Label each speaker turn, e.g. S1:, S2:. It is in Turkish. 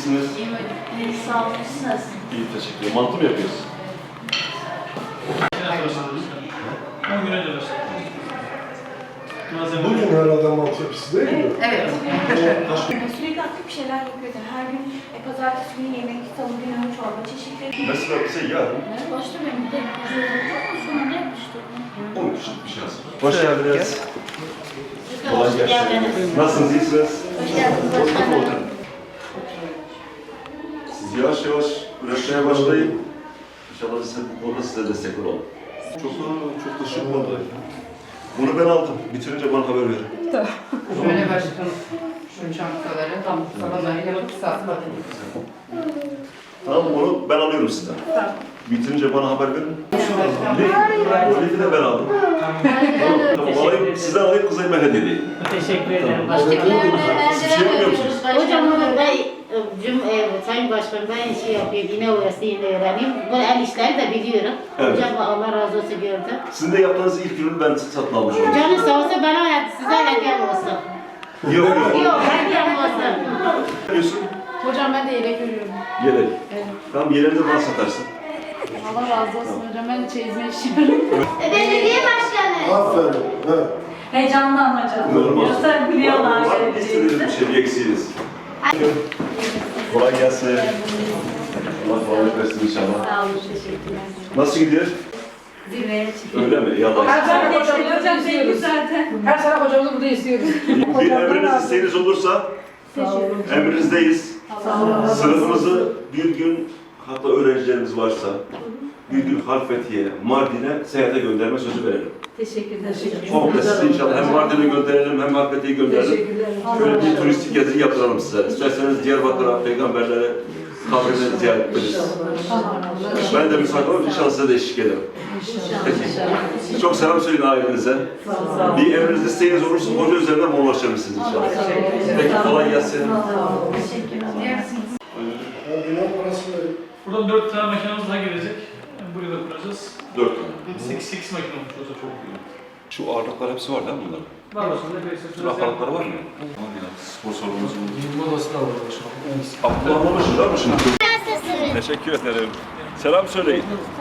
S1: İyisiniz.
S2: İyi, sağ olun. Siz nasılsınız?
S1: İyi, teşekkür ederim. Mantı mı yapıyoruz?
S3: 10 gün önce başladık.
S4: Bugün herhalde mantı yapısı değil mi?
S2: Evet.
S5: Sürekli aktif bir şeyler yapıyordum. Her gün pazartesi günü yemek, salı günü çorba çeşitleri.
S1: Mesela bize yarın
S2: Başta benim de sonra ne yapmıştım?
S1: 10 kişilik bir şey hazır. Hoş geldiniz. Kolay gelsin. Nasılsınız, iyisiniz?
S2: Hoş geldiniz başkanım.
S1: Siz yavaş yavaş üretmeye başlayın. İnşallah biz bu konuda size destek olalım. Çok da şık oldu. Bunu ben aldım. Bitirince bana haber verin.
S6: Şöyle başkanım, şu çantaları tam sabahları yapıp satmadım.
S1: Tamam, onu ben alıyorum sizden.
S2: Tamam.
S1: Bitirince bana haber verin. Lifi de ben aldım. Tamam, alayım, sizden alayım, kıza yemek hediye edeyim.
S3: Teşekkür ederim.
S1: Siz bir şey yapmıyor musunuz?
S7: Hocam Sayın Başkan ben şey yapıyorum, yine orası yine öğreneyim. Bu el işleri de biliyorum.
S1: Evet.
S7: Hocam Allah razı olsun gördüm.
S1: Sizin de yaptığınız ilk ürünü ben satın almış oldum.
S7: Canı sağ olsun bana size hediyem olsun.
S1: Yok yok.
S7: Yok hediyem olsun.
S1: Ne diyorsun?
S6: Hocam ben de yelek örüyorum.
S1: Yelek.
S6: Evet.
S1: Tamam, yeleğini de bana satarsın.
S6: Allah razı olsun hocam, ben de çeyizme işiyorum.
S5: Belediye başkanı.
S4: Aferin. He.
S2: Heyecanlı ama canım.
S1: Normal.
S2: Yoksa biliyorlar.
S1: Var mı istediğiniz bir şey, bir eksiğiniz? Kolay gelsin. Allah kolaylık versin inşallah.
S2: Sağ olun, teşekkürler.
S1: Nasıl gidiyor?
S2: Zirveye çıkıyor.
S1: Öyle mi? Ya da
S2: Hocam belli zaten.
S6: Her sabah hocamızı burada istiyoruz.
S1: bir emriniz, isteğiniz olursa emrinizdeyiz. Sınıfımızı bir gün, hatta öğrencilerimiz varsa bir gün Halfeti'ye, Mardin'e seyahate gönderme sözü verelim.
S2: Teşekkürler.
S1: Komple sizi inşallah hem Mardin'e gönderelim hem Halfeti'ye gönderelim. Şöyle bir turistik gezi yaptıralım size. İsterseniz Diyarbakır'a, peygamberlere, kabirleri ziyaret ederiz. Ben de müsaade olup inşallah size de eşlik ederim. Peki. Çok selam söyleyin ailenize. Bir emriniz, isteğiniz olursa hoca üzerinden bana ulaşabilirsiniz inşallah. Peki, kolay gelsin.
S2: Teşekkürler.
S4: Ben bina parası vereyim.
S3: Buradan 4 tane makinamız daha gelecek. Buraya da kuracağız.
S1: 4 tane.
S3: 8 makine olmuş olsa çok iyi.
S1: Şu ağırlıklar hepsi var değil mi bunların?
S3: Var aslında böyle
S1: Bütün aparatları var mı? Tamam ya, spor salonumuz bu.
S4: Giyinme odası da var başkanım.
S1: Abdullah anlamışsın değil mi şimdi? Teşekkür ederim. Selam söyleyin.